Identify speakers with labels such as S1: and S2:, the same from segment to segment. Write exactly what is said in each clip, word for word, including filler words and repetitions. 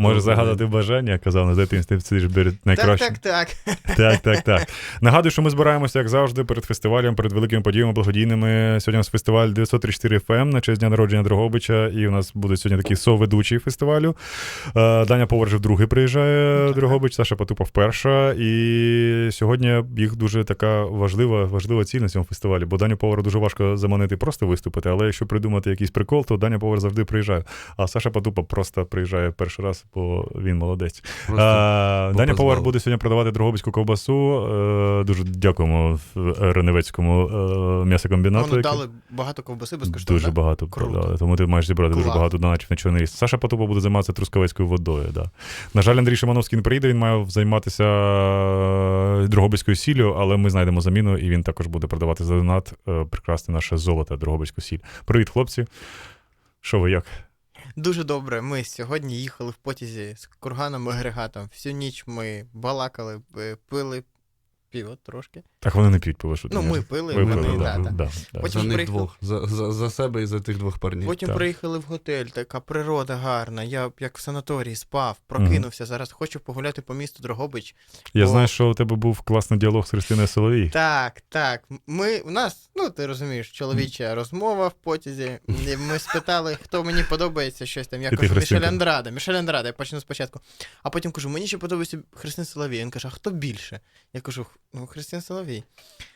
S1: Може загадати бажання, казав на дитинстві, це ж найкраще.
S2: Так, так, так.
S1: Так, так, так. Нагадую, що ми збираємося, як завжди, перед фестивалем, перед великими подіями благодійними. Сьогодні у нас фестиваль дев'ятсот тридцять чотири еф ем на честь дня народження Дрогобича, і у нас буде сьогодні такий соведучий фестивалю. Даня Повар вже вдруге приїжджає в Дрогобич, Саша Патупа вперше, і сьогодні їх дуже така важлива, важлива ціль на цьому фестивалі, бо Даню Повара дуже важко заманити просто виступити, але якщо придумати якийсь прикол, то Даня Повар завжди приїжджає. А Саша Патупа просто приїжджає перший раз, бо він молодець. А, Даня Повар буде сьогодні продавати дрогобицьку ковбасу. Дуже дякуємо Реневецькому м'ясокомбінату.
S2: Вони дали багато ковбаси безкоштовно.
S1: Дуже багато продали, тому ти маєш зібрати Клас. дуже багато донатів на Чорний Ліс. Саша Патупа буде займатися трускавецькою водою. Да. На жаль, Андрій Шимановський не приїде, він має займатися дрогобицькою сіллю, але ми знайдемо заміну, і він також буде продавати за донат прекрасне наше золото, дрогобицьку сіль. Привіт, хлопці. Що ви, як?
S2: Дуже добре. Ми сьогодні їхали в потязі з курганом і агрегатом. Всю ніч ми балакали, пили пиво трошки.
S1: Так вони не п'ють пиво, що ти
S2: Ну,
S1: не...
S2: ми пили,
S1: ви
S2: вони,
S1: пили,
S2: да,
S1: да,
S2: да.
S1: Да, да.
S3: Потім за них приїхали... двох, за, за, за себе і за тих двох парнів.
S2: Потім
S1: так.
S2: приїхали в готель, така природа гарна, я як в санаторії спав, прокинувся, mm-hmm. зараз хочу погуляти по місту Дрогобич.
S1: Я
S2: бо...
S1: знаю, що у тебе був класний діалог з Христиною Соловій.
S2: Так, так. Ми, у нас, ну ти розумієш, чоловіча mm-hmm. розмова в потязі, і ми спитали, хто мені подобається, щось там, я
S1: і
S2: кажу, Мішель Андрада, Мішель Андрада, я почну спочатку. А потім кажу, мені ще подобається Христина Соловій. Він каже, а хто більше? Я кажу, ну, Христина Соловій.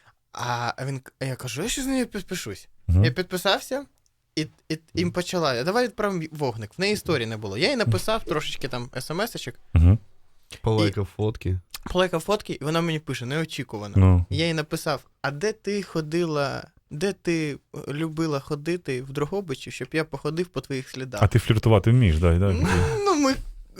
S2: А він, я кажу, я ще з нею підпишусь. Uh-huh. Я підписався, і, і, і почала. Я давай відправимо вогник. В неї історії не було. Я їй написав трошечки там смс-очок.
S1: Uh-huh.
S3: Полайкав фотки.
S2: Полайкав фотки, і вона мені пише, неочікувано.
S1: No.
S2: Я їй написав, а де ти ходила, де ти любила ходити в Дрогобичі, щоб я походив по твоїх слідах?
S1: А ти фліртувати вмієш, так? Да,
S2: ну, ну, ми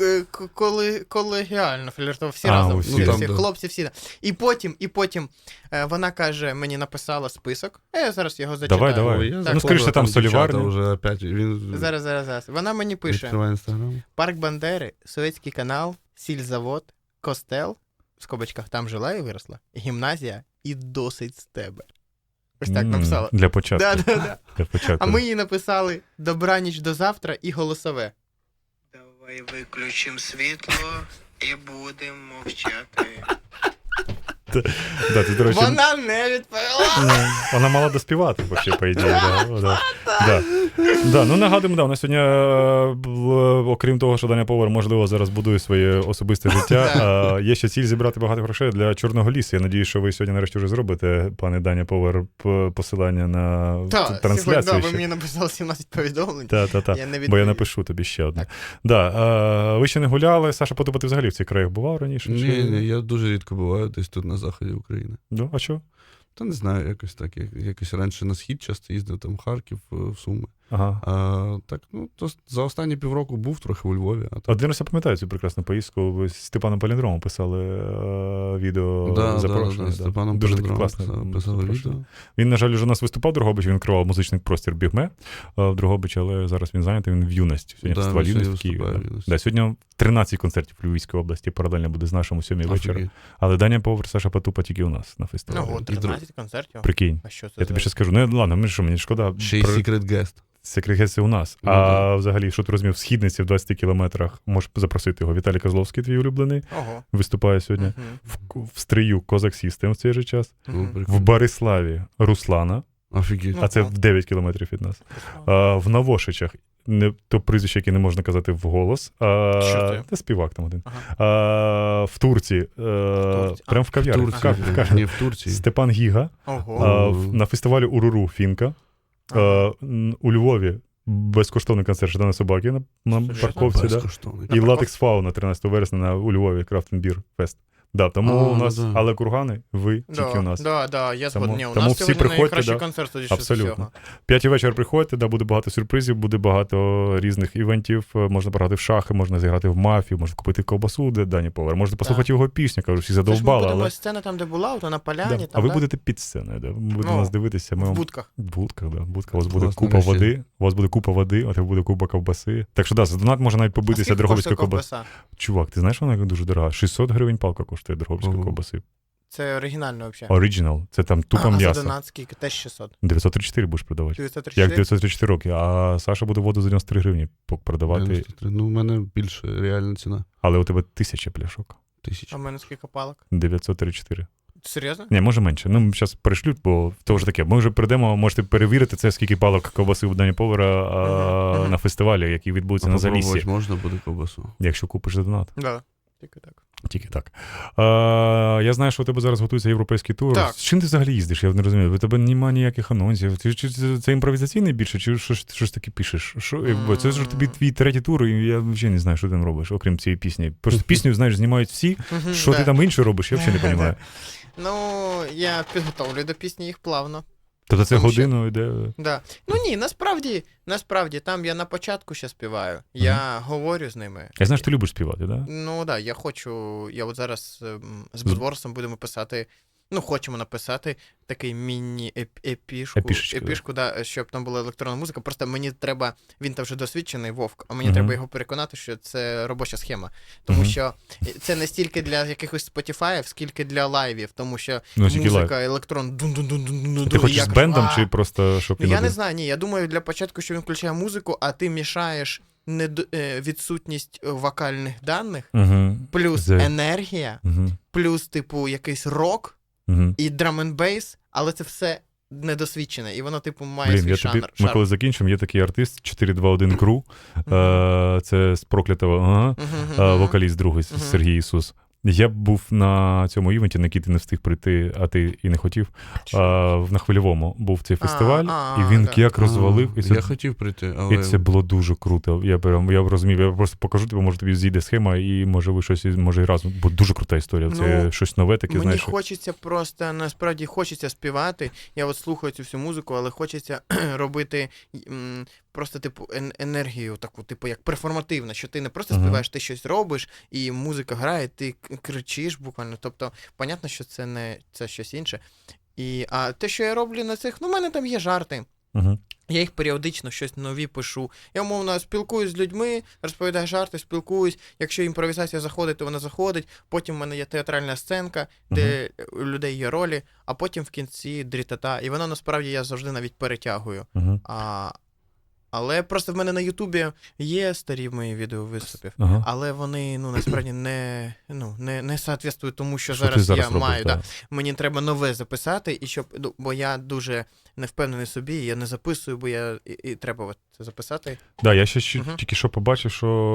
S2: коли колегіально фліртував, всі
S1: а,
S2: разом,
S1: всі,
S2: всі,
S1: там,
S2: всі
S1: да.
S2: хлопці, всі. І потім, і потім е, вона каже, мені написала список, а я зараз його зачитаю.
S1: Давай, давай.
S3: Ой,
S1: так, ну, скоріше, там соліварня.
S3: Вже опять, він...
S2: Зараз, зараз, зараз. Вона мені пише, Парк Бандери, Советський канал, сільзавод, костел, в скобочках там жила і виросла, гімназія і досить з тебе. Ось так написала.
S1: Для початку.
S2: Да, да, да.
S1: Для початку.
S2: А ми їй написали добраніч до завтра і голосове. Давай виключимо світло і будемо мовчати.
S1: Да, ти, до речі,
S2: вона не відповіла.
S1: Вона мала доспівати, взагалі, по ідеї. Да, да. Да. Да. Ну, нагадуємо, да, у нас сьогодні, окрім того, що Даня Повар, можливо, зараз будує своє особисте життя, є ще ціль зібрати багато грошей для Чорного лісу. Я надію, що ви сьогодні нарешті вже зробите, пане Даня Повар, посилання на
S2: та,
S1: трансляцію.
S2: Так, ви мені написали сімнадцять повідомлень.
S1: Так, так, так. Бо я напишу тобі ще одне. Да. Ви ще не гуляли. Саша Патупа, ти взагалі в цих краях бував раніше?
S3: Ні, чи... ні, я дуже рідко буваю десь тут на заході України.
S1: Ну, а що?
S3: Та не знаю, якось так. Якось раніше на схід часто їздив, там Харків, в Суми.
S1: Ага.
S3: А, так, ну, то за останні півроку був трохи у Львові. А
S1: Один раз я пам'ятаю цю прекрасну поїздку, ви з Степаном Паліндромом писали е, відео
S3: да,
S1: запрошення.
S3: Да, да, да. Степаном
S1: дуже
S3: таке
S1: класне
S3: писали відео.
S1: Він, на жаль, вже у нас виступав в Дрогобичі, він керував музичний простір Бігме в Дрогобичі, але зараз він зайнятий, він в юності. Сьогодні
S3: да,
S1: фестиваль юності в Києві. Да. Да, сьогодні тринадцять концертів в Львівській області, паралельно буде з нашим у сьомій вечора. Але Даня Повар, Саша Патупа тільки у нас на фестивалі.
S2: Ну, тринадцять концертів.
S1: Прикинь.
S2: А що це
S1: я
S2: за...
S1: тобі ще скажу. Ну, ладно, мені що, мені шкода.
S3: Ще й Про... Secret Guest.
S1: Secret Guest у нас. Ну, а да. Взагалі, що ти розумів, в Східниці в двадцяти кілометрах можеш запросити його. Віталій Козловський, твій улюблений,
S2: Ого.
S1: виступає сьогодні. Uh-huh. В, в Стрию Козак System в цей же час.
S3: Uh-huh.
S1: В Бориславі Руслана.
S3: Офігеть.
S1: А це в дев'ять кілометрів від нас. А, в Навошичах, не, то прізвище, яке не можна казати вголос. А, це співак там один. Ага. А, в Турції. А, в Турці. Прям в кав'ярні.
S3: В Турції. В кав... Ні, в Турції.
S1: Степан Гіга. А, на фестивалі Уруру Фінка. Ага. А, у Львові безкоштовний концерт «Ждана собаки» на, на парковці. Да? І «Латекс Фауна» тринадцятого вересня на, у Львові, Крафтенбір Фест. Да, тому а, у нас, да. Але кургани, ви
S2: да,
S1: тільки у нас.
S2: Да, да, я
S1: тому,
S2: згоден. У
S1: тому
S2: нас
S1: всі
S2: сьогодні найкращий
S1: да,
S2: концерт, тоді
S1: абсолютно.
S2: Всього.
S1: П'ятій вечір приходьте, да, буде багато сюрпризів, буде багато різних івентів, можна пограти в шахи, можна зіграти в мафію, можна купити ковбасу, де Дані Повар, можна послухати да. його пісню, кажу, всі задовбали.
S2: Ми будемо
S1: але...
S2: сцена там, де була, то на поляні.
S1: Да.
S2: Там,
S1: а ви
S2: да?
S1: будете під сценою, да. будете ну, нас дивитися. Ми
S2: в
S1: вам...
S2: будках.
S1: В будках, да. В будках. У вас буде Власне, купа води, у вас буде купа води, а тебе буде купа ковбаси. Так що, да, за донат може навіть побитися Дрогобицька ковбаса. Чувак, ти знаєш, вона дуже дорога? шістсот гривень палка коштує Дрогобицької ковбаси.
S2: Це оригінально взагалі.
S1: Оригінал. Це там тупо
S2: а, а за
S1: м'ясо.
S2: донат скільки? Теж шістсот.
S1: дев'ятсот тридцять чотири будеш продавати.
S2: дев'ятсот тридцять
S1: Як
S2: чотири?
S1: дев'ятсот тридцять чотири роки, а Саша буде воду за дев'яносто три гривні продавати,
S3: дев'яносто три. Ну, у мене більше реальна ціна.
S1: але у тебе тисяча пляшок.
S3: Тисяча.
S2: А в мене скільки палок?
S1: дев'ятсот тридцять чотири.
S2: Серйозно?
S1: Ні, може менше. Ну, зараз перешлють, бо то вже таке. Ми вже прийдемо, можете перевірити це, скільки палок ковбаси в Дані Повара
S2: Мгм, мгм.
S1: на фестивалі, який відбудеться
S3: А
S1: на
S3: попробувати
S1: Заліссі,
S3: можна буде ковбасу?
S1: якщо купиш за донат.
S2: Да. Тільки так.
S1: Тільки так. А, я знаю, що у тебе зараз готується європейський тур.
S2: Так.
S1: З чим ти взагалі їздиш? Я не розумію. У тебе немає ніяких анонсів. Ти, чи це, це імпровізаційний більше, чи що, що ж таки пишеш? Що, якби, це ж тобі твій третій тур, і я взагалі не знаю, що ти там робиш, окрім цієї пісні. Просто пісню, знаєш, знімають всі.
S2: Мгм,
S1: Що
S2: да.
S1: ти там інше робиш, я взагалі не розумію.
S2: Ну, я підготовлю до пісні їх плавно.
S1: Тобто це
S2: Тому що-
S1: годину йде.
S2: Да. Ну ні, насправді, насправді, там я на початку ще співаю. Я говорю з ними.
S1: Я знаю, що ти любиш співати, так? Да?
S2: Ну так, да, я хочу. Я от зараз ем, з Будворсом будемо писати. Ну, хочемо написати такий міні-епішку,
S1: Епішечку,
S2: епішку, да, щоб там була електронна музика. Просто мені треба, він там вже досвідчений Вовк, а мені
S1: Мгм.
S2: треба його переконати, що це робоча схема. Тому
S1: Мгм.
S2: що це не стільки для якихось Spotify, скільки для лайвів, тому що
S1: Ну, тільки лайв.
S2: музика, електрон, дун-дун-дун-дун-дун.
S1: Ти хочеш з бендом чи просто щоб
S2: Ну,
S1: він
S2: я не
S1: один?
S2: знаю, ні. Я думаю, для початку, що він включає музику, а ти мішаєш нед... е, відсутність е, вокальних даних,
S1: Угу.
S2: плюс
S1: Зе-
S2: енергія,
S1: Угу.
S2: плюс, типу, якийсь рок
S1: Угу.
S2: і драм-н-бейс, але це все недосвідчене, і воно, типу, має
S1: Блін,
S2: свій
S1: я
S2: шанр.
S1: тобі, ми
S2: шарм.
S1: коли закінчимо, є такий артист чотири два один Crew,
S2: Мгм.
S1: е, це з проклятого, ага,
S2: Мгм,
S1: е,
S2: мгм.
S1: вокаліст другий
S2: Мгм.
S1: Сергій Ісус. Я б був на цьому івенті, на який ти не встиг прийти, а ти і не хотів. А, на Хвильовому був цей фестиваль,
S2: а,
S1: і він
S2: да.
S1: як розвалив. І це,
S3: Я хотів прийти, але...
S1: і це було дуже круто. Я прям я розумів, я просто покажу тобі, може тобі зійде схема, і може ви щось, може і разом. Бо дуже крута історія. Це
S2: Ну,
S1: щось нове таке,
S2: Мені
S1: знаєш.
S2: хочеться просто, насправді, хочеться співати. Я от слухаю цю всю музику, але хочеться робити м, просто, типу, ен- енергію таку, типу, як перформативна, що ти не просто
S1: Ага.
S2: співаєш, ти щось робиш, і музика грає, ти к- кричиш буквально. Тобто, понятно, що це не це щось інше. І, а те, що я роблю на цих, ну, в мене там є жарти.
S1: Угу.
S2: Я їх періодично щось нові пишу. Я, умовно, спілкуюсь з людьми, розповідаю жарти, спілкуюсь. Якщо імпровізація заходить, то вона заходить. Потім в мене є театральна сценка, де у людей є ролі, а потім в кінці дрітата. І воно насправді я завжди навіть перетягую.
S1: Угу.
S2: А, але просто в мене на Ютубі є старі мої відео виступів.
S1: Ага.
S2: Але вони, ну, насправді не, ну, не, не соответствують тому, що,
S1: Що ти
S2: зараз,
S1: зараз
S2: я
S1: робиш,
S2: маю.
S1: да.
S2: Да. Мені треба нове записати, і щоб, ну, бо я дуже не впевнений в собі, я не записую, бо я і, і треба от це записати.
S1: Да, я ще ще
S2: Мгм.
S1: тільки що побачив,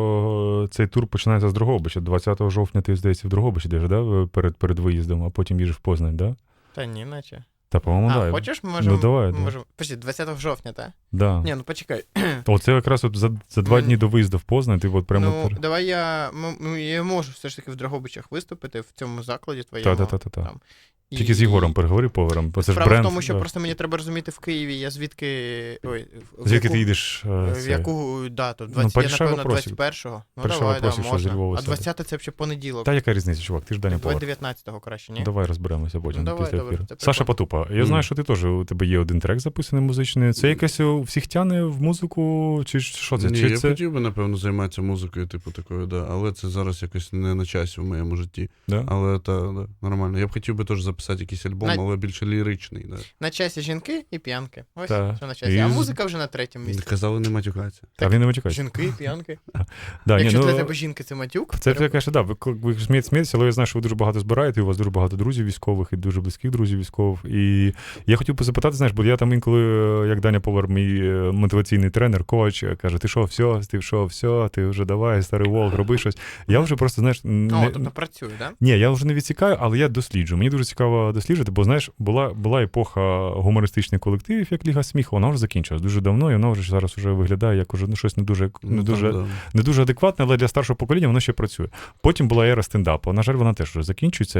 S1: що цей тур починається з Дрогобича. двадцятого жовтня ти, здається, в Дрогобичі йдеш, да? перед, перед виїздом, а потім їдеш в Познань, да?
S2: Та ні, наче.
S1: Та, по-моєму,
S2: а,
S1: да.
S2: хочеш, ми можемо...
S1: Ну, давай, да.
S2: можемо... Почти, двадцятого жовтня, так?
S1: Да.
S2: Ні, ну почекай.
S1: Оце якраз от за, за два
S2: Мгм.
S1: дні до виїзду в Познань, ти от прямо...
S2: Ну,
S1: пер-
S2: давай я... м- м- Я можу все ж таки в Дрогобичах виступити, в цьому закладі твоєму.
S1: Та-та-та-та.
S2: там. І-
S1: Тільки з Єгором переговори поваром, бо це ж
S2: Справа
S1: бренд.
S2: в тому, що
S1: да.
S2: просто мені треба розуміти в Києві, я звідки... Ой, в
S1: Звідки
S2: яку...
S1: ти їдеш? е,
S2: В
S1: це?
S2: яку дату? двадцять, я,
S1: порішай
S2: напевно,
S1: вопросик.
S2: двадцять першого. Ну,
S1: Порішай
S2: давай, да,
S1: вопросик, що зі
S2: можна.
S1: Львова
S2: А
S1: сяде.
S2: двадцяте це взагалі понеділок.
S1: Та яка різниця, чувак, ти ж Даня
S2: Давай
S1: Повар.
S2: дев'ятнадцятого краще, ні?
S1: Давай розберемося потім
S2: Ну, давай,
S1: після
S2: добре,
S1: ефіру.
S2: це
S1: Саша
S2: прикольно.
S1: Потупа, я
S3: Мгм.
S1: знаю, що ти теж, у тебе є один трек записаний музичний. Це якесь у всіх тяне в музику, чи що це?
S3: Ні,
S1: Чи
S3: я
S1: це...
S3: хотів би, напевно, займатися музикою, типу такою, да. Але це зараз якось не на часі в моєму житті.
S1: Да?
S3: Але та, да, нормально. Я б хотів би теж записати якийсь альбом,
S2: На-
S3: але більше ліричний. Да.
S2: На часі жінки і п'янки. Ось,
S1: Та.
S2: що на часі.
S1: І
S2: А
S1: з-
S2: музика вже на третьому місці.
S3: Казали, не матюкатися.
S1: А він не матюкається.
S2: Жінки і п'янки.
S1: Да, ні,
S2: Якщо
S1: ну,
S2: для тебе жінки це матюк,
S1: Це,
S2: треба-
S1: конечно, да, ви, ви смієте, смієтеся, але я знаю, що ви дуже багато збираєте, і у вас дуже багато друзів військових і дуже близьких друзів військових. І я хотів би запитати, знаєш, бо я там інколи, як Даня Повар, мій е, мотиваційний тренер, коуч, каже, ти що, все, ти що, все, ти вже давай, старий волк, роби щось. Я вже просто, знаєш,
S2: О,
S1: не,
S2: тобто працює, так?
S1: ні, я вже не відсікаю, але я досліджую. Мені дуже цікаво досліджувати, бо, знаєш, була, була епоха гумористичних колективів, як Ліга сміху, вона вже закінчилась дуже давно, і вона вже зараз вже виглядає як уже, ну, щось не дуже, не
S3: Ну,
S1: дуже,
S3: там, да.
S1: не дуже адекватне, але для старшого покоління воно ще працює. Потім була ера стендапу. На жаль, вона теж вже закінчується.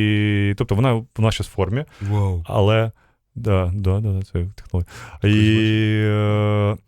S1: І, тобто вона, вона ще в формі,
S3: Вау.
S1: але. Да, да, да, да, це технологія. І, е, і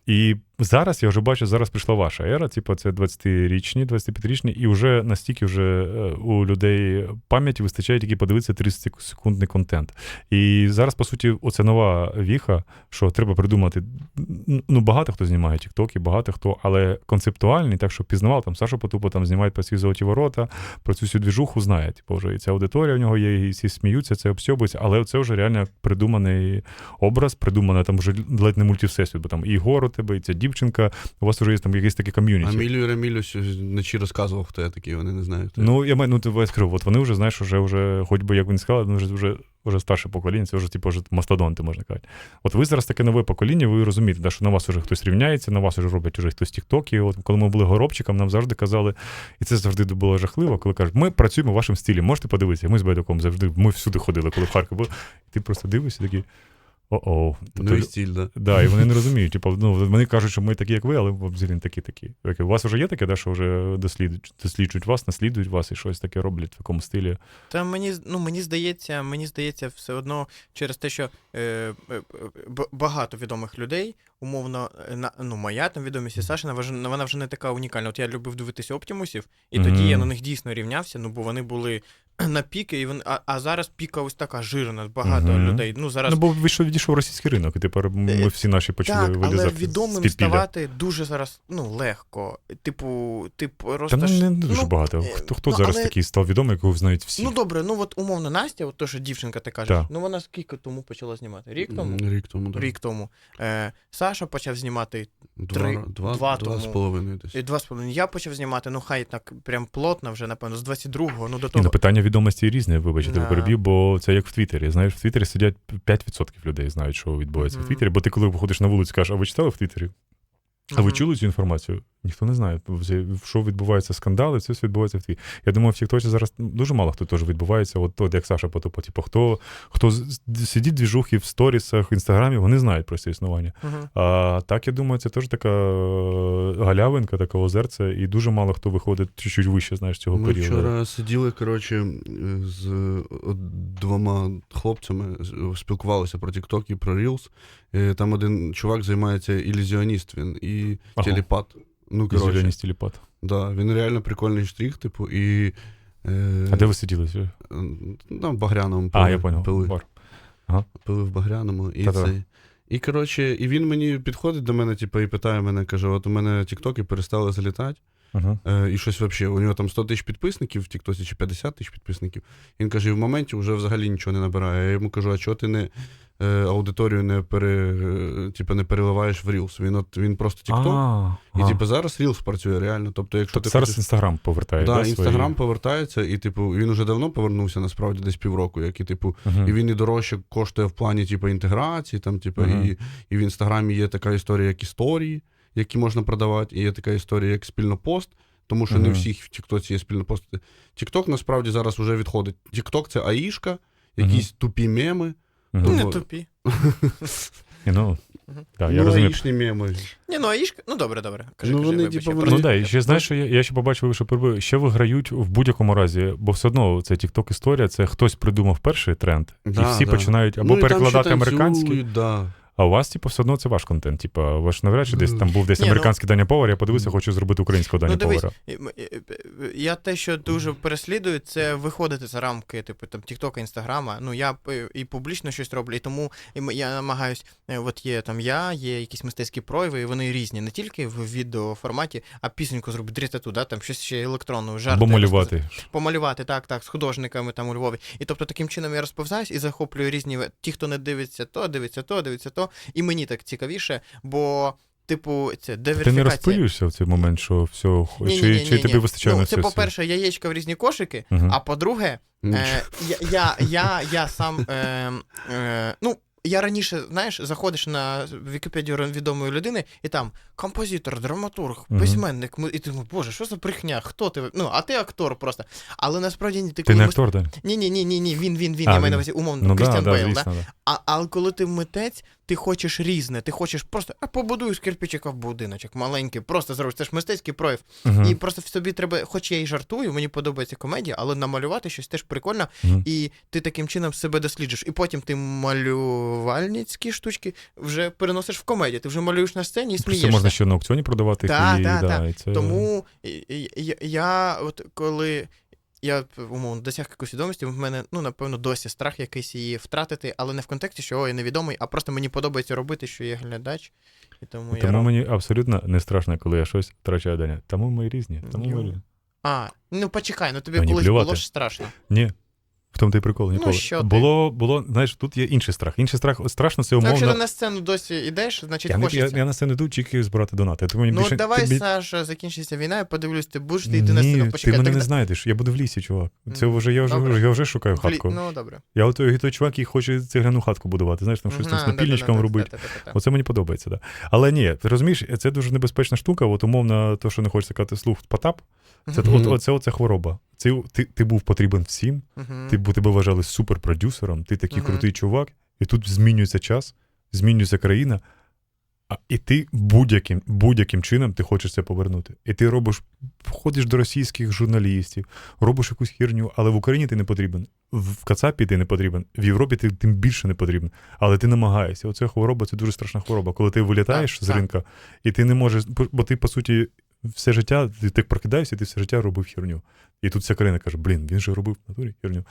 S1: зараз я вже бачу, зараз прийшла ваша ера, типу, це двадцятирічні, двадцятип'ятирічні, і вже настільки вже е, у людей пам'яті вистачає тільки подивитися тридцятисекундний контент. І зараз, по суті, оце нова віха, що треба придумати. Ну, багато хто знімає тіктоки, багато хто, але концептуальний, так, що пізнавав, там Саша Потупа там знімає про ці золоті ворота, про цю всю двіжуху знає. Типу, вже і ця аудиторія в нього є, і всі сміються, це обсьобується, але це вже реально придуманий образ, придумане там вже ледь не мультивсесвіт, бо там і Ігор у тебе, і ця дівчинка, у вас вже є там якийсь такий ком'юніті.
S3: А Мілю і Ремілю вночі розказував, хто я такий, вони не знають. Хто
S1: ну, я маю, ну, ти скажу, от вони вже, знаєш, вже, вже хоч би, як він сказав, вони вже, вже, вже старше покоління, це вже, типу, вже мастодонти, можна казати. От ви зараз таке нове покоління, ви розумієте, да, що на вас вже хтось рівняється, на вас вже роблять вже хтось тіктоки. От коли ми були горобчиком, нам завжди казали, і це завжди було жахливо, коли кажуть, ми працюємо в вашому стилі, можете подивитися. Ми з Байдуком завжди, ми всюди ходили, коли в Харкові були. І ти просто дивишся такий, о-о.
S3: Ну і стиль, да.
S1: Да, і вони не розуміють. Типу, ну, вони кажуть, що ми такі, як ви, але взагалі не такі-такі. У вас вже є таке, да, що вже досліджують, досліджують вас, наслідують вас і щось таке роблять в такому стилі?
S2: Та мені, ну, мені здається, мені здається, все одно через те, що е, б- багато відомих людей, умовно, на, ну, моя там відомість і Сашина, вона, вона вже не така унікальна. От я любив дивитися Оптімусів, і
S1: Мгм.
S2: тоді я на них дійсно рівнявся, ну, бо вони були на піки, і вони, а, а зараз піка ось така жирна, багато
S1: Мгм.
S2: людей. Ну, зараз...
S1: Ну, бо вийшов, відійшов російський ринок, і тепер ми всі наші почали
S2: Так, але
S1: вилізати з
S2: відомим
S1: підпілля.
S2: ставати дуже зараз, ну, легко. Типу, ти
S1: Та
S2: просто...
S1: ну,
S2: ж-
S1: не дуже
S2: ну,
S1: багато.
S2: е,
S1: Хто, хто
S2: ну,
S1: зараз
S2: але-
S1: такий став відомий, якого знають всі?
S2: Ну, добре, ну, от умовно Настя, от то, що дівчинка ти кажеш,
S1: Так.
S2: ну, вона скільки тому почала знімати? Рік тому?
S3: М, Рік тому, да.
S2: Рік тому. Е, Саша почав знімати
S3: Два,
S2: три-
S3: два,
S2: два
S3: два,
S2: тому.
S3: з половиною десь.
S2: і два з половиною. Я почав знімати, ну, хай так прям плотно вже, напевно, з двадцять другого, ну, до
S1: Ні,
S2: того.
S1: ну, питання відомості різне, вибачте,
S2: Да.
S1: перебів, бо це як в Твіттері. Знаєш, в Твіттері сидять п'ять відсотків людей знають, що відбувається
S2: Мгм.
S1: в Твіттері, бо ти коли виходиш на вулицю, кажеш, а ви читали в Твіттері? А ви
S2: Мгм.
S1: чули цю інформацію? Ніхто не знає. Що відбувається, скандали, це все відбувається в Твіттері. Я думаю, в Тіктоці зараз дуже мало хто теж відбувається. От, от як Саша Потупа. Типу, хто, хто з- сидить двіжухи в сторісах, в інстаграмі, вони знають про це існування.
S2: Мгм.
S1: А так, я думаю, це теж така е, галявинка, таке озерце, і дуже мало хто виходить чуть-чуть вище, знаєш, цього
S3: Ми
S1: періоду.
S3: вчора сиділи, коротше, з е, двома хлопцями, з- спілкувалися про TikTok і про Reels. Е, Там один чувак займається ілюзіоніст, він і
S1: Ага.
S3: телепат. Ну, коротше,
S1: Зелені стіліпат.
S3: да, він реально прикольний штрих, типу, і... Е,
S1: А де ви сиділи?
S3: На Багряному пили.
S1: А, я понял.
S3: Пили,
S1: Бар.
S3: пили в Багряному. І,
S1: Та-та.
S3: це, і, коротше, і він мені підходить до мене, типу, і питає мене, каже, от у мене тіктоки перестали залітати.
S1: Ага.
S3: Е, і щось взагалі, у нього там сто тисяч підписників в Тіктосі чи п'ятдесят тисяч підписників. Він каже, і в моменті вже взагалі нічого не набирає. Я йому кажу, а чого ти не е, аудиторію не, пере, е, типу, не переливаєш в Reels? Він, от, він просто Тікток.
S1: А,
S3: І
S1: а.
S3: типу, зараз Reels працює реально. Тобто, якщо
S1: Тобто
S3: ти
S1: зараз
S3: хочеш...
S1: Інстаграм повертає.
S3: Да,
S1: да,
S3: Інстаграм
S1: свої...
S3: повертається, і типу, він уже давно повернувся, насправді, десь півроку, як і типу,
S1: Мгм.
S3: і він і дорожче коштує в плані типу, інтеграції, там, типу,
S1: Мгм.
S3: і, і в Інстаграмі є така історія, як історії, які можна продавати, і є така історія, як спільнопост, тому що не
S1: Мгм.
S3: всіх в Тіктоці є спільнопости. Тікток насправді зараз вже відходить. Тікток це аїшка, якісь тупі меми.
S1: Мгм.
S3: Ну,
S2: Не
S3: вот.
S2: тупі.
S1: Ні, ну,
S2: Мгм.
S1: так,
S3: ну,
S1: я розумію.
S3: аїшні меми.
S2: Ні, ну, Аїшка, ну, добре, добре. Кажи,
S3: Ну,
S2: кажи,
S3: вони,
S2: вибач,
S3: типу,
S2: я
S3: вони-
S1: Ну
S2: просто-
S1: так, і ще знаєш, що я, я ще побачив, що перебив, ще виграють в будь-якому разі, бо все одно це TikTok історія, це хтось придумав перший тренд,
S3: Да,
S1: і всі
S3: да.
S1: починають або
S3: Ну, і там
S1: перекладати
S3: ще
S1: американський,
S3: танцюють, да.
S1: а у вас, типу, все одно це ваш контент. Типу, ваш навряд чи десь там був десь
S2: Ні, ну-
S1: американський Даня Повар, я подивився, хочу зробити українського Даня
S2: Ну, дивись,
S1: Повара.
S2: і- м- і- і- я те, що дуже переслідую, це виходити за рамки, типу, там, Тіктока, Інстаграма. Ну, я п- і публічно щось роблю, і тому і м- я намагаюсь, е, от є там я, є якісь мистецькі прояви, і вони різні, не тільки в відеоформаті, а пісеньку зробити, дрітату, да, там щось ще електронну, жарт.
S1: Або малювати.
S2: Помалювати, так, так, з художниками там у Львові. І тобто таким чином я розповзаюсь і захоплюю різні, ве- ті, хто не дивиться то, дивиться то, дивиться то, і мені так цікавіше, бо, типу, це
S1: Ти не
S2: диверсифікація.
S1: розпилюєшся в цей момент, що все,
S2: Ні,
S1: чи,
S2: ні, ні,
S1: чи
S2: ні,
S1: тобі
S2: ні.
S1: вистачає
S2: ну,
S1: на
S2: це,
S1: все?
S2: по-перше, яєчка в різні кошики,
S1: Мгм.
S2: а по-друге, е, я, я, я, я сам, е, е, ну, я раніше, знаєш, заходиш на Вікіпедію відомої людини, і там композитор, драматург,
S1: Мгм.
S2: письменник, ми- і ти думаєш, боже, що за брехня, хто ти? Ну, а ти актор просто. Але насправді ні, ти
S1: Ти
S2: коли
S1: не
S2: мис-
S1: актор, Дань?
S2: Ні, ні, ні, ні, ні, він, він, він,
S1: А,
S2: я маю
S1: він.
S2: на увазі умовно,
S1: Ну, да,
S2: Крістіан
S1: да,
S2: Бейл,
S1: звісно,
S2: да?
S1: да.
S2: А, але коли ти митець, ти хочеш різне, ти хочеш просто, а побудую з кирпичика в будиночок, маленький, просто зробиш, це ж мистецький прояв.
S1: Угу.
S2: І просто в собі треба, хоч я і жартую, мені подобається комедія, але намалювати щось теж прикольно,
S1: Угу.
S2: і ти таким чином себе досліджуєш. І потім ти малювальницькі штучки вже переносиш в комедію, ти вже малюєш на сцені і
S1: Це
S2: смієшся.
S1: можна ще на аукціоні продавати.
S2: Так,
S1: і,
S2: так,
S1: да,
S2: так.
S1: і це...
S2: Тому я, я, я от коли я умовно досяг якоїсь відомості, в мене, ну, напевно, досі страх якийсь її втратити, але не в контексті, що о, я невідомий, а просто мені подобається робити, що я глядач. І тому я
S1: Тому
S2: роб...
S1: мені абсолютно не страшно, коли я щось втрачаю, Даня. Тому ми різні. Тому
S2: Ю.
S1: ми різні.
S2: А, ну почекай, ну тобі
S1: Мені
S2: колись
S1: плювати.
S2: було ж страшно.
S1: Ні. В тому ти прикол, ніколи.
S2: Ну, що ти?
S1: Було, було, знаєш, тут є інший страх. Інший страх, страшно, це
S2: Ну,
S1: умовно.
S2: якщо ти на сцену досі йдеш, значить
S1: Я, не, я,
S2: хочеться.
S1: я на сцену йду, тільки збирати донати. Тому мені
S2: Ну,
S1: більше,
S2: давай,
S1: ти,
S2: Саша, закінчиться війна, я подивлюсь, ти будеш ти йти на
S1: Ні,
S2: сцену. Почекай,
S1: ти мене
S2: так...
S1: не знайдеш, я буду в лісі, чувак. Це
S2: М,
S1: вже, я, вже,
S2: добре.
S1: я вже шукаю
S2: Влі-
S1: хатку.
S2: Ну, добре.
S1: Я от той, той чувак, який хоче цегляну хатку будувати, знаєш, там щось там з
S2: Ага,
S1: напільничком
S2: да-да-да,
S1: робити.
S2: та-та-та-та.
S1: Оце мені подобається, так. Да. Але ні, ти розумієш, це дуже небезпечна штука, от умовно, то, що не хочеться казати слух Потап, це,
S3: Мгм.
S1: от, оце, оце хвороба. Це, ти, ти був потрібен всім,
S2: Мгм.
S1: ти, бу- тебе вважали суперпродюсером, ти такий
S2: Мгм.
S1: крутий чувак, і тут змінюється час, змінюється країна, а, і ти будь-яким, будь-яким чином ти хочеш це повернути. І ти робиш, входиш до російських журналістів, робиш якусь херню, але в Україні ти не потрібен, в Кацапі ти не потрібен, в Європі ти тим більше не потрібен, але ти намагаєшся. Оце хвороба, це дуже страшна хвороба. Коли ти вилітаєш
S2: Так,
S1: з
S2: так.
S1: ринка, і ти не можеш, бо ти, по суті, все життя, ти так прокидаєшся, і ти все життя робив херню. І тут вся країна каже, блін, він же робив в натурі херню.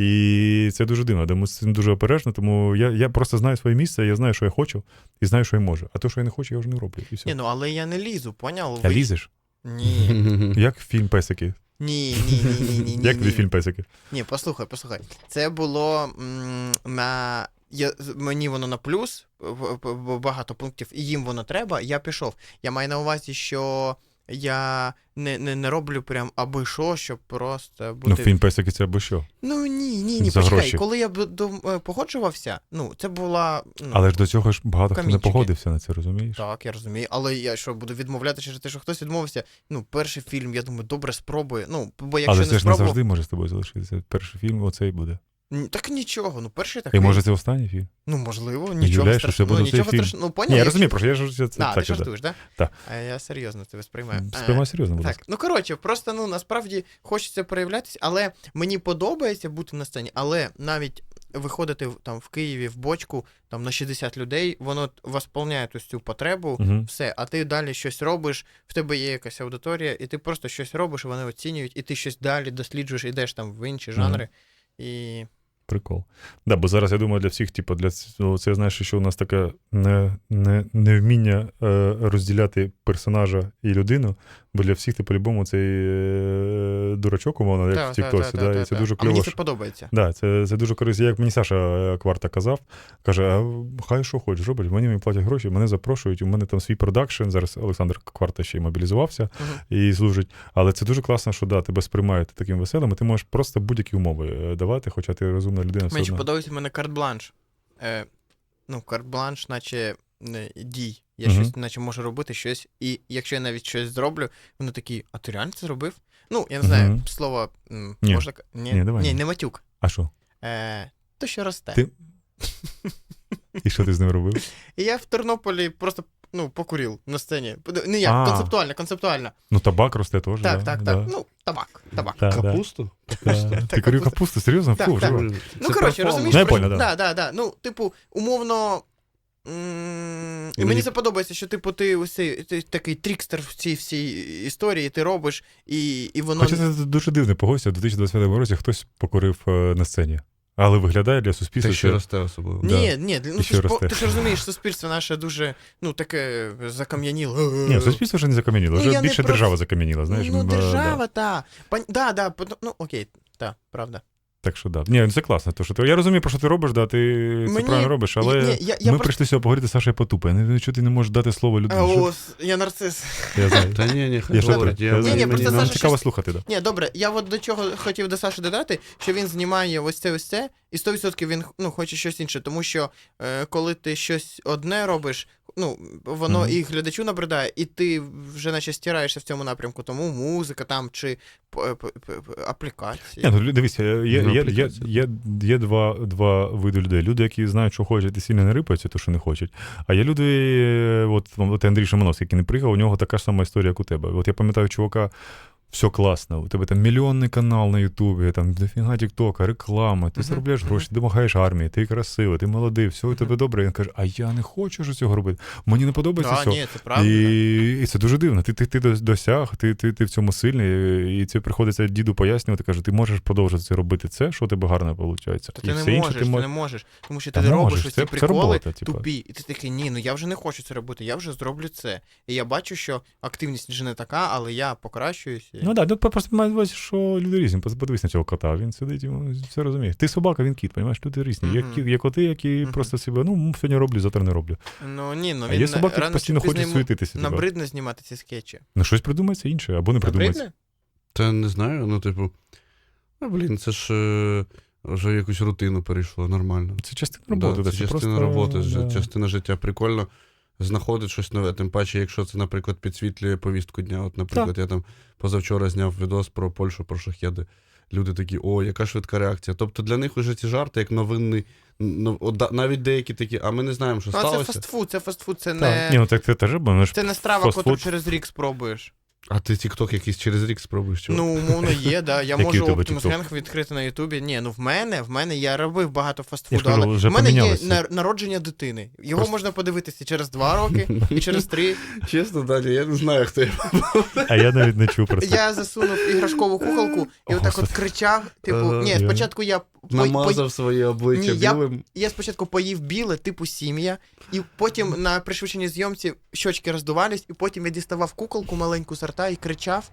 S1: І це дуже дивно, тому з цим дуже обережно, тому я, я просто знаю своє місце, я знаю, що я хочу, і знаю, що я можу. А то, що я не хочу, я вже не роблю. І все.
S2: Ні, ну але я не лізу, поняв?
S1: А
S2: Ви-
S1: лізеш?
S2: Ні.
S1: Як фільм «Песики»?
S2: Ні, ні, ні, ні, ні, ні.
S1: Як тобі
S2: ні.
S1: фільм «Песики»?
S2: Ні, послухай, послухай. Це було м, на. Я, мені воно на плюс, в- в- в- багато пунктів, і їм воно треба, я пішов. Я маю на увазі, що я не, не, не роблю прям аби що, щоб просто бути.
S1: Ну, фільм «Песики» це або що?
S2: Ну ні, ні, ні,
S1: За
S2: почекай,
S1: гроші.
S2: коли я б до, е, погоджувався, ну, це була. Ну,
S1: Але ж до цього ж багато хто не
S2: камінчики.
S1: погодився на це, розумієш?
S2: Так, я розумію. Але я що, буду відмовляти через те, що хтось відмовився. Ну, перший фільм, я думаю, добре спробую. Ну, бо якщо
S1: Але
S2: не
S1: це ж не
S2: спробував.
S1: завжди може з тобою залишитися. Перший фільм оцей буде.
S2: Ні, так нічого, ну перший
S1: І
S2: такий.
S1: може це останній фільм?
S2: Ну, можливо,
S1: Уявляєш,
S2: нічого
S1: що
S2: страшного.
S1: це буде
S2: Ну, нічого
S1: цей фільм?
S2: страшного. Ну, поняв,
S1: Ні, я
S2: якщо-
S1: розумію, просто я ж це, це
S2: А, ти
S1: так. іде.
S2: жартуєш, так?
S1: Так.
S2: А я серйозно тебе сприймаю. Е,
S1: Сприймай серйозно, будь
S2: Так,
S1: ласка.
S2: ну коротше, просто ну насправді хочеться проявлятися, але мені подобається бути на сцені, але навіть виходити в- там в Києві в бочку там на шістдесят людей, воно восполняє ось цю потребу,
S1: Угу.
S2: все, а ти далі щось робиш, в тебе є якась аудиторія, і ти просто щось робиш, вони оцінюють, і ти щось далі досліджуєш, йдеш там в інші
S1: Мгм.
S2: жанри. І
S1: Прикол. Да, бо зараз я думаю, для всіх, типу, для ц- це знаєш, що у нас таке не, не, невміння е, розділяти персонажа і людину, бо для всіх ти по-любому цей е, дурачок, умовно, як
S2: Та,
S1: в
S2: та,
S1: Тіктосі,
S2: та,
S1: да,
S2: та,
S1: і це
S2: та.
S1: дуже
S2: А мені
S1: кльово.
S2: це
S1: що-
S2: подобається.
S1: Да, це, це дуже корисно. Як мені Саша е, Кварта казав, каже, а хай що хочеш робиш, мені мені платять гроші, мене запрошують, у мене там свій продакшн, зараз Олександр Кварта ще й мобілізувався
S2: Мгм.
S1: і служить. Але це дуже класно, що да, тебе сприймають таким веселим, і ти можеш просто будь-які умови е, давати, хоча ти розумна людина все
S2: Мені ще
S1: одно.
S2: подобається в мене карт-бланш. Е, ну, карт-бланш, наче не, дій. Я
S1: Мгм.
S2: щось, наче можу робити щось, і якщо я навіть щось зроблю, вони такі, а ти реально це зробив? Ну, я не знаю,
S1: Мгм.
S2: слово м,
S1: Ні.
S2: можна. к- Ні,
S1: Ні, давай.
S2: ні, не матюк.
S1: А що?
S2: Е, то, що росте.
S1: Ти- І що ти з ним робив?
S2: І я в Тернополі просто ну, покурив на сцені. Не як,
S1: А.
S2: концептуально, концептуально.
S1: Ну, табак росте теж.
S2: Так,
S1: да,
S2: так,
S1: да.
S2: так. Ну, табак, табак.
S1: Да, да.
S3: Капусту?
S1: Да.
S2: Так,
S1: Ти курив
S2: капуста.
S1: капусту, серйозно?
S2: Так,
S1: Фу,
S2: так.
S1: жива.
S2: Ну,
S3: Це
S2: коротше,
S3: перформанс.
S2: розумієш,
S1: Ну, я
S2: про-
S1: понял, да.
S2: Да, да, да. Ну, типу, умовно. м, І
S3: Мені-
S2: мені це подобається, що типу ти ось цей- ти такий трікстер в цій всій історії, ти робиш, і, і воно.
S1: Хоча це дуже дивно, погодься, в дві тисячі двадцять п'ятому році хтось покурив е, на сцені. Але виглядає для суспільства.
S3: Те, що
S1: що-
S3: росте особливо.
S1: Да.
S2: Ні, ні, ну
S1: І
S2: ти
S1: ще
S2: ж, по-
S1: росте.
S2: ти ж розумієш, суспільство наше дуже, ну, таке закам'яніло.
S1: Ні, суспільство вже не закам'яніло,
S2: Ну,
S1: вже
S2: я не
S1: більше
S2: про-
S1: держава закам'яніла, знаєш.
S2: Ну,
S1: бо, да.
S2: держава, та. Пон- Да, да, пон- ну, окей, та, правда.
S1: Так що да. Ні, це класно. То, що ти... Я розумію, про що ти робиш, да, ти це
S2: Мені-
S1: правильно робиш, але
S2: Ні, я, я
S1: ми
S2: просто...
S1: прийшли сьогодні поговорити з Сашою Потупа. Я не знаю, чого ти не можеш дати слово
S2: А,
S1: людині. Що-
S2: о, я нарцис.
S1: Я знаю.
S3: Та ні, ні, хай
S1: Я
S3: говорить.
S1: жартую.
S3: Я,
S1: Я знаю.
S2: Ні, ні,
S3: мені-
S2: просто
S1: Нам
S2: Саша
S1: цікаво
S2: щось-
S1: слухати, да.
S2: Ні, добре, я от до чого хотів до Саші додати, що він знімає ось це ось це, і сто відсотків він ну, хоче щось інше, тому що е, коли ти щось одне робиш, ну, воно
S1: Мгм.
S2: і глядачу набридає, і ти вже наче стираєшся в цьому напрямку, тому музика там чи п- п- п- п- аплікації.
S1: Ні, ну, дивіться, є,
S3: Ну,
S1: є, є,
S3: аплікація.
S1: є, є два, два види людей. Люди, які знають, що хочуть, і сильно не рипаються, то що не хочуть. А є люди, от, от Андрій Шимановський, який не приїхав, у нього така ж сама історія, як у тебе. От я пам'ятаю чувака, все класно, у тебе там мільйонний канал на Ютубі, там дофіга тіктока, реклама, ти
S2: Мгм.
S1: заробляєш гроші, ти допомагаєш армії, ти красивий, ти молодий, все у тебе добре. І він каже, а я не хочу ж цього робити. Мені не подобається
S2: Да,
S1: цього.
S2: ні, це правда.
S1: І, і це дуже дивно. Ти, ти, ти досяг, ти, ти, ти в цьому сильний, і це приходиться діду пояснювати, каже, ти можеш продовжувати це робити це, що у тебе гарно виходить.
S2: То
S1: І
S2: ти
S1: все
S2: не
S1: інше
S2: можеш, ти
S1: мож-
S2: не можеш. Тому що
S1: Та
S2: ти робиш
S1: можеш,
S2: ось
S1: це-
S2: ці
S1: це
S2: приколи
S1: робота, типа.
S2: тупі, і ти такий, ні, ну я вже не хочу це робити, я вже зроблю це. І я бачу, що активність вже не така, але я покращуюся.
S1: Ну так, да, просто маю на увазі, що люди різні. Подивись на цього кота, він сидить, йому все розуміє. Ти собака, він кіт, розумієш? Люди різні. Є,
S2: Мгм.
S1: кі- є коти, які
S2: Мгм.
S1: просто себе, ну, сьогодні роблю, завтра не роблю.
S2: Ну ні, ну
S1: А
S2: він
S1: є собаки, які
S2: рано
S1: постійно
S2: чи пізно
S1: хочуть
S2: йому
S1: суетитися. Типа.
S2: набридне знімати ці скетчі.
S1: Ну, щось придумається інше, або не придумається.
S2: Набридне?
S3: Та не знаю, ну, типу, ну, блін, це ж е, вже якусь рутину перейшло, нормально.
S1: Це частина роботи.
S3: Да,
S1: да,
S3: це частина
S1: просто,
S3: роботи,
S1: да.
S3: частина життя. Прикольно знаходить щось нове. Тим паче, якщо це, наприклад, підсвітлює повістку дня. От, наприклад, я там позавчора зняв відос про Польщу, про шахеди. Люди такі, о, яка швидка реакція. Тобто для них вже ці жарти, як новинний, ну, от да- навіть деякі такі, а ми не знаємо, що
S2: Ну, а це
S3: сталося.
S2: фастфуд, це фастфуд, це
S1: Так.
S2: не.
S1: Ні, ну так це теж, бо ну, ж
S2: Це не страва,
S1: фастфуд.
S2: яку через рік спробуєш.
S3: А ти тік-ток якийсь через рік спробуєш? Чого?
S2: Ну, умовно, є, да. Я
S1: Який
S2: можу
S1: у тебе
S2: Optimus
S1: TikTok?
S2: Gang відкрити на Ютубі. Ні, ну в мене, в мене я робив багато
S1: Я
S2: фастфуду,
S1: ж кажу,
S2: але
S1: вже
S2: в мене є
S1: помінялося.
S2: на- народження дитини. Його
S1: Просто-
S2: можна подивитися через два роки і через три.
S3: Чесно, Даня, я не знаю, хто я.
S1: А я навіть не чув про це.
S2: Я засунув іграшкову куколку і
S1: О,
S2: отак от
S1: Господи.
S2: кричав. Типу,
S3: Ага,
S2: ні,
S1: я-
S2: спочатку я по- по-
S3: Намазав своє обличчя
S2: Ні, я-
S3: білим.
S2: Я спочатку поїв біле, типу сім'я, і потім на пришвидшеній зйомці щочки роздувались, і потім я діставав куколку маленьку з рта і кричав.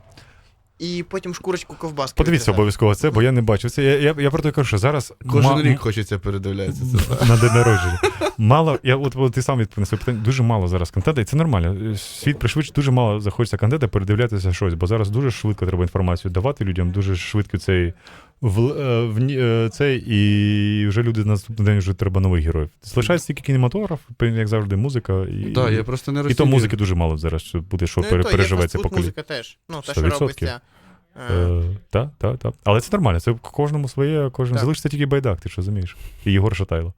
S2: І потім шкурочку ковбаски.
S1: Подивіться
S2: відрізав.
S1: обов'язково це, бо я не бачив це. Я, я, я про те кажу, що зараз
S3: Кожен
S1: ма-
S3: рік хочеться передивлятися це.
S1: на день народження. Мало, я от, от ти сам відповів на своє питання, дуже мало зараз контенту, і це нормально. Світ пришвидшує, дуже мало захочеться контенту передивлятися щось, бо зараз дуже швидко треба інформацію давати людям, дуже швидко цей в, е, в, ні- е, цей, і вже люди на наступний день вже треба нових героїв. Залишається тільки кінематограф, як завжди, музика. І,
S3: Так, я просто не
S1: і
S3: розумію.
S1: то музики дуже мало зараз, що буде, що
S2: Ну, і
S1: пере-
S2: то, є
S1: переживеться
S2: фастфуд,
S1: покоління.
S2: музика теж. Ну, те,
S1: сто
S2: що
S1: відсотків.
S2: робиться. е,
S1: Е, Так, так, так. Але це нормально, це кожному своє, кожен
S2: Так.
S1: залишиться тільки байдак, ти що розумієш? І Єгор Шатайло.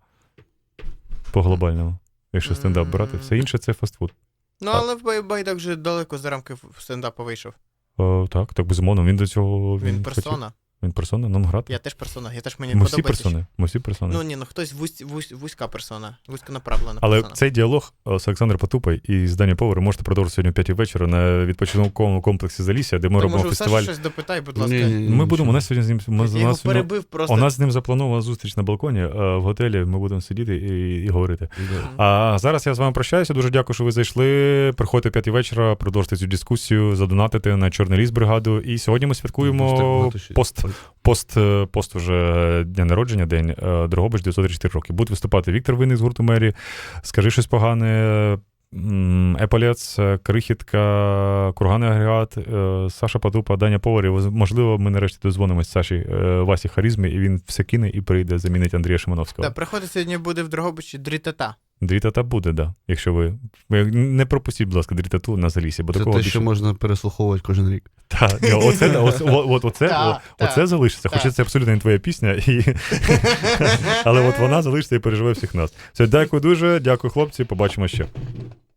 S1: По глобальному. Якщо стендап брати, все інше це фастфуд.
S2: Ну, але в Бай- Байдак вже далеко за рамки стендапу вийшов.
S1: О, так, так, безумовно, він до цього.
S2: Він
S1: хотів.
S2: персона.
S1: Він персона, нам грати.
S2: Я теж персона. Я теж мені
S1: Ми всі
S2: подобається.
S1: персони. Ми всі персони.
S2: Ну ні, ну хтось вузь, вузь, вузька персона, вузьконаправлена
S1: Але
S2: персона.
S1: цей діалог е, з Олександром Потупой і з Дані Повар можете продовжити сьогодні о п'ятій вечора на відпочинковому комплексі Залісся, де ми
S2: То,
S1: робимо
S2: може,
S1: фестиваль.
S2: Саша щось допитай, будь ласка.
S3: Ні-ні-ні,
S1: Ми будемо, у
S3: нічого.
S1: нас сьогодні з ним. Ми,
S2: Я
S1: у,
S2: його
S1: нас, сьогодні-
S2: перебив просто.
S1: у нас з ним запланована зустріч на балконі е, в готелі. Ми будемо сидіти і, і говорити.
S3: Да.
S1: А зараз я з вами прощаюся. Дуже дякую, що ви зайшли. Приходьте о п'ятій вечора, продовжуйте цю дискусію, задонатите на Чорний ліс бригаду. І сьогодні ми святкуємо пост, пост, пост уже дня народження, день е, Дрогобич, дев'ятсот тридцять чотири роки. Будуть виступати Віктор Винник з гурту Мері, Скажи щось погане, м, Еполец, Крихітка, Курганний агрегат, е, Саша Потупа, Даня Повар. І, можливо, ми нарешті дозвонимось Саші е, Васі Харізмі, і він все кине і прийде замінить Андрія Шимановського.
S2: Так, приходить сьогодні буде в Дрогобичі Дрітата.
S1: Дрітата буде, да. Якщо ви. ви не пропустіть, будь ласка, дрітату на Залісі, бо
S3: Це
S1: такого
S3: те,
S1: більше.
S3: що можна переслуховувати кожен рік.
S1: Та, ні, оце, оце, от, оце,
S2: Та,
S1: о-
S2: та,
S1: оце залишиться.
S2: та.
S1: Хоча це абсолютно не твоя пісня, і... але от вона залишиться і переживе всіх нас. Все, дякую дуже, дякую, хлопці, побачимо ще.